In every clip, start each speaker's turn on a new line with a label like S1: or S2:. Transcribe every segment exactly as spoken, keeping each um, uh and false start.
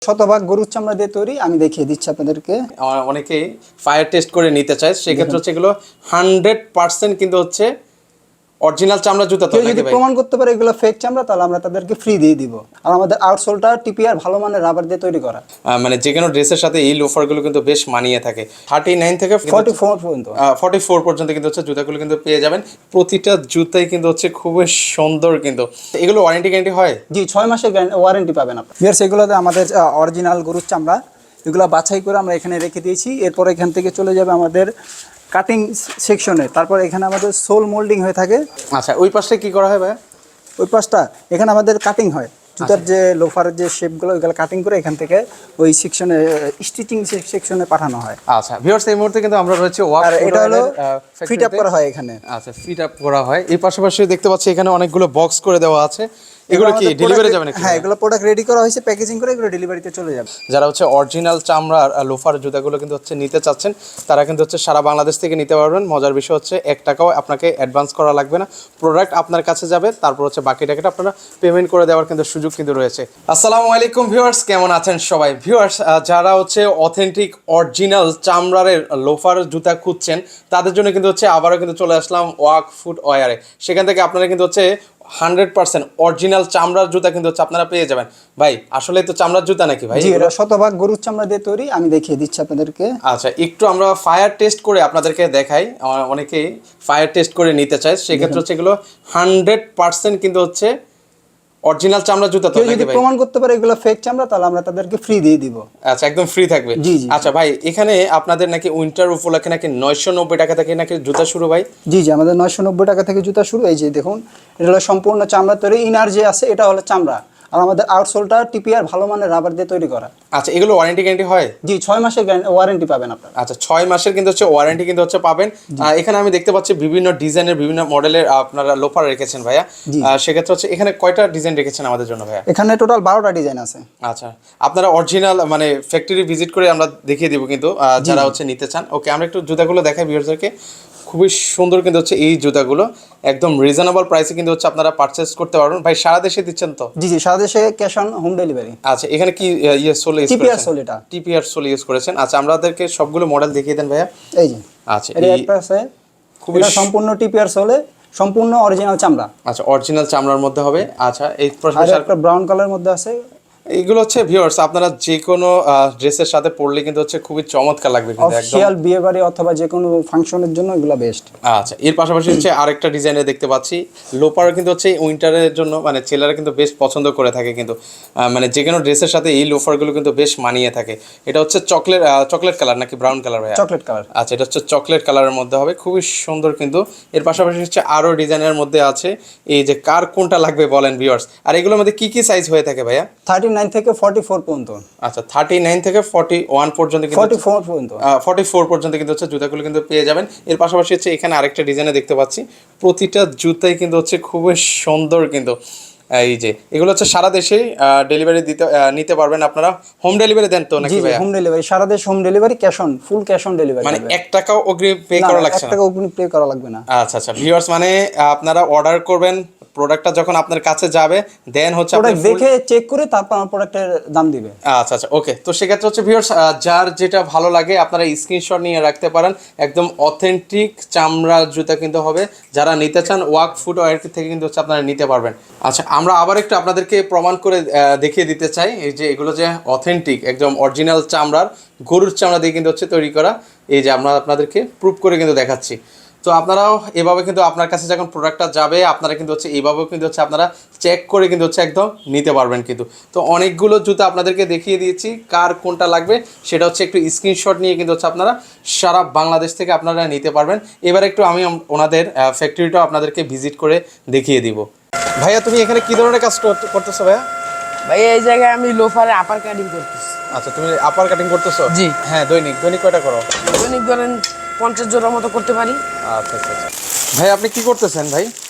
S1: শতভাগ গরুর চামড়া দিয়ে তৈরি। আমি দেখিয়ে দিচ্ছি আপনাদেরকে।
S2: অনেকে ফায়ার টেস্ট করে নিতে চায়, সেক্ষেত্রে হচ্ছে এগুলো হান্ড্রেড পার্সেন্ট কিন্তু হচ্ছে অরিজিনাল চামড়া জুতা। তো
S1: যদি প্রমাণ করতে পারে এগুলো ফেক চামড়া, তাহলে আমরা তাদেরকে ফ্রি দিয়ে দিব। আর আমাদের আউটসোলটা টিপিআর ভালো মানের রাবার দিয়ে তৈরি করা,
S2: মানে যে কোনো ড্রেসের সাথে এই লোফারগুলো কিন্তু বেশ মানিয়ে থাকে। থার্টি নাইন থেকে
S1: ফর্টি ফোর পর্যন্ত
S2: ফর্টি ফোর পর্যন্ত কিন্তু হচ্ছে জুতাগুলো কিন্তু পেয়ে যাবেন। প্রতিটা জুতাই কিন্তু হচ্ছে খুবই সুন্দর। কিন্তু এগুলো ওয়ারেন্টি গ্যারান্টি হয়?
S1: জি, ছয় মাসের ওয়ারেন্টি পাবেন আপনার। বিয়ার্স, এগুলোতে আমাদের অরিজিনাল গরুর চামড়া, এগুলো বাছাই করে আমরা এখানে রেখে দিয়েছি। এরপর এখান থেকে চলে যাবে আমাদের কাটিং সেকশনে। তারপর এখানে আমাদের সোল মোল্ডিং হয়ে থাকে।
S2: আচ্ছা, ওই পাশে কি করা হয় ভাই?
S1: ওই পাশটা এখানে আমাদের কাটিং হয়। জুতার যে লোফারের যে শেপগুলো, ওইগুলো কাটিং করে এখান থেকে ওই সেকশনে স্টিচিং সেকশনে পাঠানো হয়।
S2: আচ্ছা ভিউয়ার্স, এই মুহূর্তে কিন্তু আমরা রয়েছে ওয়াক,
S1: আর এটা হলো ফিট আপ করা হয় এখানে।
S2: আচ্ছা, ফিট আপ করা হয়। এই পাশাপাশি দেখতে পাচ্ছি এখানে অনেকগুলো বক্স করে দেওয়া আছে। এগুলো কি ডেলিভারি যাবে নাকি?
S1: হ্যাঁ, এগুলো প্রোডাক্ট রেডি করা হয়েছে, প্যাকেজিং করে এগুলো ডেলিভারিতে চলে যাবে।
S2: যারা হচ্ছে অরিজিনাল চামড়ার লোফার জুতাগুলো কিন্তু হচ্ছে নিতে চাচ্ছেন, তারা কিন্তু হচ্ছে সারা বাংলাদেশ থেকে নিতে পারবেন। মজার বিষয় হচ্ছে এক টাকাও আপনাকে অ্যাডভান্স করা লাগবে না। প্রোডাক্ট আপনার কাছে যাবে, তারপর হচ্ছে বাকি টাকাটা আপনারা পেমেন্ট করে দেওয়ার কিন্তু সুযোগ কিন্তু রয়েছে। আসসালামু আলাইকুম ভিউয়ার্স, কেমন আছেন সবাই? ভিউয়ার্স, যারা হচ্ছে অথেন্টিক অরিজিনাল চামড়ার লোফার জুতা খুঁজছেন, তাদের জন্য কিন্তু হচ্ছে আবারও কিন্তু চলে আসলাম ওয়াক ফুট ওয়ারে। সেখান থেকে আপনারা কিন্তু হচ্ছে হান্ড্রেড পার্সেন্ট অরিজিনাল চামড়ার জুতা কিন্তু হচ্ছে আপনারা পেয়ে যাবেন। ভাই, আসলে তো চামড়ার জুতা নাকি ভাই?
S1: জি, এটা শতভাগ গরুর চামড়া দিয়ে তৈরি। আমি দেখিয়ে দিচ্ছি আপনাদেরকে।
S2: আচ্ছা, একটু আমরা ফায়ার টেস্ট করে আপনাদেরকে দেখাই। অনেকে ফায়ার টেস্ট করে নিতে চায়, সেক্ষেত্রে হচ্ছে এগুলো হান্ড্রেড পার্সেন্ট কিন্তু হচ্ছে অরিজিনাল চামড়া জুতা। তো
S1: যদি প্রমাণ করতে পারে এগুলো ফেক চামড়া, তাহলে আমরা তাদেরকে ফ্রি দিয়ে দিব।
S2: আচ্ছা, একদম ফ্রি থাকবে।
S1: জি জি।
S2: আচ্ছা ভাই, এখানে আপনাদের নাকি উইন্টার উপলক্ষে নাকি নয়শো নব্বই টাকা থেকে নাকি জুতা শুরু ভাই?
S1: জি জি, আমাদের নয়শো নব্বই টাকা থেকে জুতা শুরু। এই যে দেখুন, এটা হলো সম্পূর্ণ চামড়া তৈরি। ইনার যে আছে এটা হলো চামড়া, আর আমাদের আউটসোলটা টিপিআর ভালো মানের রাবার দিয়ে তৈরি করা।
S2: আচ্ছা, এগুলো ওয়ারেন্টি গ্যারান্টি হয়?
S1: জি, ছয় মাসের ওয়ারেন্টি পাবেন আপনারা।
S2: আচ্ছা, ছয় মাসের কিন্তু হচ্ছে ওয়ারেন্টি কিন্তু হচ্ছে পাবেন। এখানে আমি দেখতে পাচ্ছি বিভিন্ন ডিজাইনের বিভিন্ন মডেলের আপনারা লোফার রেখেছেন ভাইয়া। সেক্ষেত্রে হচ্ছে এখানে কয়টা ডিজাইন রেখেছেন আমাদের জন্য ভাইয়া?
S1: এখানে টোটাল বারোটা ডিজাইন আছে।
S2: আচ্ছা, আপনারা অরিজিনাল মানে ফ্যাক্টরি ভিজিট করে আমরা দেখিয়ে দিব কিন্তু যারা হচ্ছে নিতে চান। ওকে, আমরা একটু জুতাগুলো দেখাই ভিউয়ারদেরকে। খুবই সুন্দর কিন্তু হচ্ছে এই জুতাগুলো, একদম রিজনেবল প্রাইসে কিন্তু হচ্ছে আপনারা পারচেজ করতে পারবেন। ভাই, সারা দেশে দিচ্ছেন তো?
S1: জি জি, সারা দেশে ক্যাশ অন হোম ডেলিভারি।
S2: আচ্ছা, এখানে কি ইয়ে সোল ইউজ
S1: টিপিআর সোল, এটা
S2: টিপিআর সোল ইউজ করেছেন। আচ্ছা, আমাদেরকে সবগুলো মডেল দেখিয়ে দেন ভাইয়া।
S1: এই যে
S2: আচ্ছা,
S1: এটা একটা আছে, খুবই সম্পূর্ণ টিপিআর সোলে, সম্পূর্ণ অরিজিনাল চামড়া।
S2: আচ্ছা, অরিজিনাল চামড়ার মধ্যে হবে। আচ্ছা, এই
S1: একটা ব্রাউন কালারের মধ্যে আছে।
S2: এইগুলো হচ্ছে ভিউয়ার্স, আপনারা যে কোনো ড্রেসের সাথে পরলে কিন্তু হচ্ছে খুবই চমৎকার লাগবে কিন্তু একদম।
S1: অফিশিয়াল বিয়ে বাড়ি অথবা যে কোনো ফাংশনের জন্য এগুলো বেস্ট।
S2: আচ্ছা, এর পাশাপাশি হচ্ছে আরেকটা ডিজাইনে দেখতে পাচ্ছি লোপার কিন্তু হচ্ছে উইন্টারের জন্য, মানে ছেলেরা কিন্তু বেশ পছন্দ করে থাকে কিন্তু, মানে যে কোনো ড্রেসের সাথে এই লোফারগুলো কিন্তু বেশ মানিয়ে থাকে। এটা হচ্ছে চকলেট চকলেট কালার নাকি ব্রাউন কালার ভাইয়া?
S1: Chocolate colour.
S2: আচ্ছা, এটা হচ্ছে চকলেট কালারের মধ্যে হবে, খুবই সুন্দর কিন্তু। এর পাশাপাশি হচ্ছে আরও ডিজাইনের মধ্যে আছে। এই যে কার কোনটা লাগবে বলেন ভিউয়ার্স। আর এগুলোর মধ্যে কি কি সাইজ হয়ে থাকে ভাইয়া?
S1: থার্টি নাইন থেকে ফর্টি ফোর পর্যন্ত।
S2: আচ্ছা, থার্টি নাইন থেকে ফর্টি ওয়ান পর্যন্ত কিন্তু
S1: ফর্টি ফোর পর্যন্ত
S2: ফর্টি ফোর পর্যন্ত কিন্তু হচ্ছে জুতাগুলো কিন্তু পেয়ে যাবেন। এর পাশাপাশি হচ্ছে এখানে আরেকটা ডিজাইনে দেখতে পাচ্ছি, প্রতিটা জুতাই কিন্তু হচ্ছে খুবই সুন্দর কিন্তু। এই যে এগুলো হচ্ছে সারা দেশেই ডেলিভারি দিতে নিতে পারবেন আপনারা। হোম ডেলিভারি দেন তো নাকি ভাই?
S1: হোম ডেলিভারি, সারা দেশ home delivery, cash on full cash on delivery.
S2: মানে এক টাকাও অগ্রিম পে করা লাগছে না?
S1: এক টাকা অগ্রিম পে করা লাগবে না।
S2: আচ্ছা আচ্ছা ভিউয়ার্স, মানে আপনারা অর্ডার করবেন, প্রোডাক্টটা যখন আপনার কাছে যাবে দেন হচ্ছে আপনি
S1: দেখে চেক করে তারপর প্রোডাক্টের দাম দিবে।
S2: আচ্ছা আচ্ছা ওকে। তো সেক্ষেত্রে হচ্ছে ভিউয়ার্স, যার যেটা ভালো লাগে আপনারা স্ক্রিনশট নিয়ে রাখতে পারেন। একদম অথেন্টিক চামড়ার জুতা কিন্তু হবে। যারা নিতে চান ওয়াক ফুট ওয়্যার থেকে কিন্তু হচ্ছে আপনারা নিতে পারবেন। আচ্ছা, আমরা আবার একটু আপনাদেরকে প্রমাণ করে দেখিয়ে দিতে চাই এই যে এগুলো যে অথেন্টিক একদম অরিজিনাল চামড়ার গরুর চামড়া দিয়ে কিন্তু হচ্ছে তৈরি করা। এই যে আমরা আপনাদেরকে প্রুফ করে কিন্তু দেখাচ্ছি। তো আপনারাও এভাবে কিন্তু আপনার কাছে যখন প্রোডাক্টটা যাবে আপনারা কিন্তু হচ্ছে এইভাবেও কিন্তু হচ্ছে আপনারা চেক করে কিন্তু হচ্ছে একদম নিতে পারবেন কিন্তু। তো অনেকগুলো জুতা আপনাদেরকে দেখিয়ে দিয়েছি, কার কোনটা লাগবে সেটা হচ্ছে একটু স্ক্রিনশট নিয়ে কিন্তু হচ্ছে আপনারা সারা বাংলাদেশ থেকে আপনারা নিতে পারবেন। এবার একটু আমি ওনাদের ফ্যাক্টরিটাও আপনাদেরকে ভিজিট করে দেখিয়ে দিব। ভাইয়া, তুমি এখানে কি ধরনের কাজ করতেছো ভাইয়া?
S3: ভাইয়া, এই জায়গায় আমি লোফারে আপার কাটিং করতেছি।
S2: আচ্ছা, তুমি আপার কাটিং করতেছো?
S3: জি
S2: হ্যাঁ। দৈনিক দৈনিক কয়টা করো?
S3: দৈনিক ধরেন পঞ্চাশ জোড়ার মতো করতে পারি।
S2: আচ্ছা আচ্ছা। ভাই, আপনি কি করতেছেন ভাই?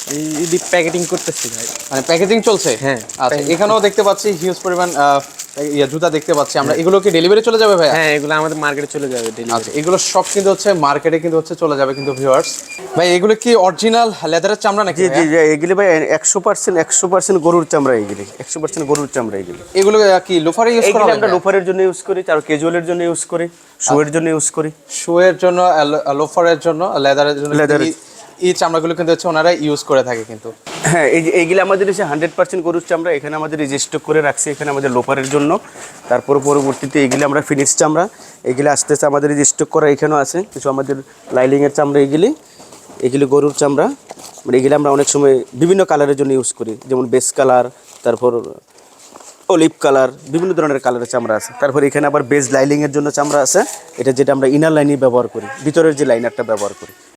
S4: এই প্যাকেটিং করতেছি ভাই।
S2: মানে প্যাকেজিং চলছে?
S4: হ্যাঁ,
S2: আচ্ছা, এখানেও দেখতে পাচ্ছি হিউজ পরিমাণ আহ, ইয়া জুতা দেখতে পাচ্ছি আমরা। এগুলো কি ডেলিভারি চলে যাবে ভাইয়া?
S4: হ্যাঁ, এগুলো আমাদের মার্কেটে চলে যাবে ডেলিভারি।
S2: আচ্ছা, এগুলো সব কিন্তু হচ্ছে মার্কেটে কিন্তু হচ্ছে চলে যাবে কিন্তু ভিউয়ার্স। ভাই এগুলো কি অরিজিনাল লেদারের চামড়া নাকি
S5: জি জি
S2: ভাইয়া?
S5: জি এগুলি ভাই একশো পার্সেন্ট একশো পার্সেন্ট গরুর চামড়া, এগুলি একশো পার্সেন্ট গরুর চামড়া। এগুলি
S2: এগুলো আহ, কি লোফারে ইউজ করা
S5: এইগুলি
S2: হবে
S5: আমরা
S2: ভাইয়া?
S5: লোফারের জন্য ইউজ করি, তার ক্যাজুয়ালের জন্য ইউজ করি, শুয়ের জন্য ইউজ করি।
S2: শুয়ের জন্য, লোফারের জন্য, লেদারের জন্য,
S5: Leather-
S2: এই- এই চামড়াগুলো কিন্তু হচ্ছে ওনারা ইউজ করে থাকে কিন্তু।
S5: হ্যাঁ, এই যে এইগুলি আমাদের এসে হান্ড্রেড পার্সেন্ট গরুর চামড়া। এখানে আমাদের এই যে স্টক করে রাখছি এখানে আমাদের লোফারের জন্য। তারপর পরবর্তীতে এইগুলি আমরা ফিনিশ চামড়া, এগুলি আস্তে আস্তে আমাদের এই যে স্টক করা এখানেও আছে কিছু আমাদের লাইলিংয়ের চামড়া। এগুলি এগুলি গরুর চামড়া, মানে এগুলি আমরা অনেক সময় বিভিন্ন কালারের জন্য ইউজ করি, যেমন বেস কালার, তারপর অলিভ কালার, বিভিন্ন ধরনের কালারের চামড়া আছে। তারপর এখানে আবার বেস লাইলিংয়ের জন্য চামড়া আছে, এটা যেটা আমরা ইনার লাইনে ব্যবহার করি, ভিতরের যে লাইনারটা ব্যবহার করি।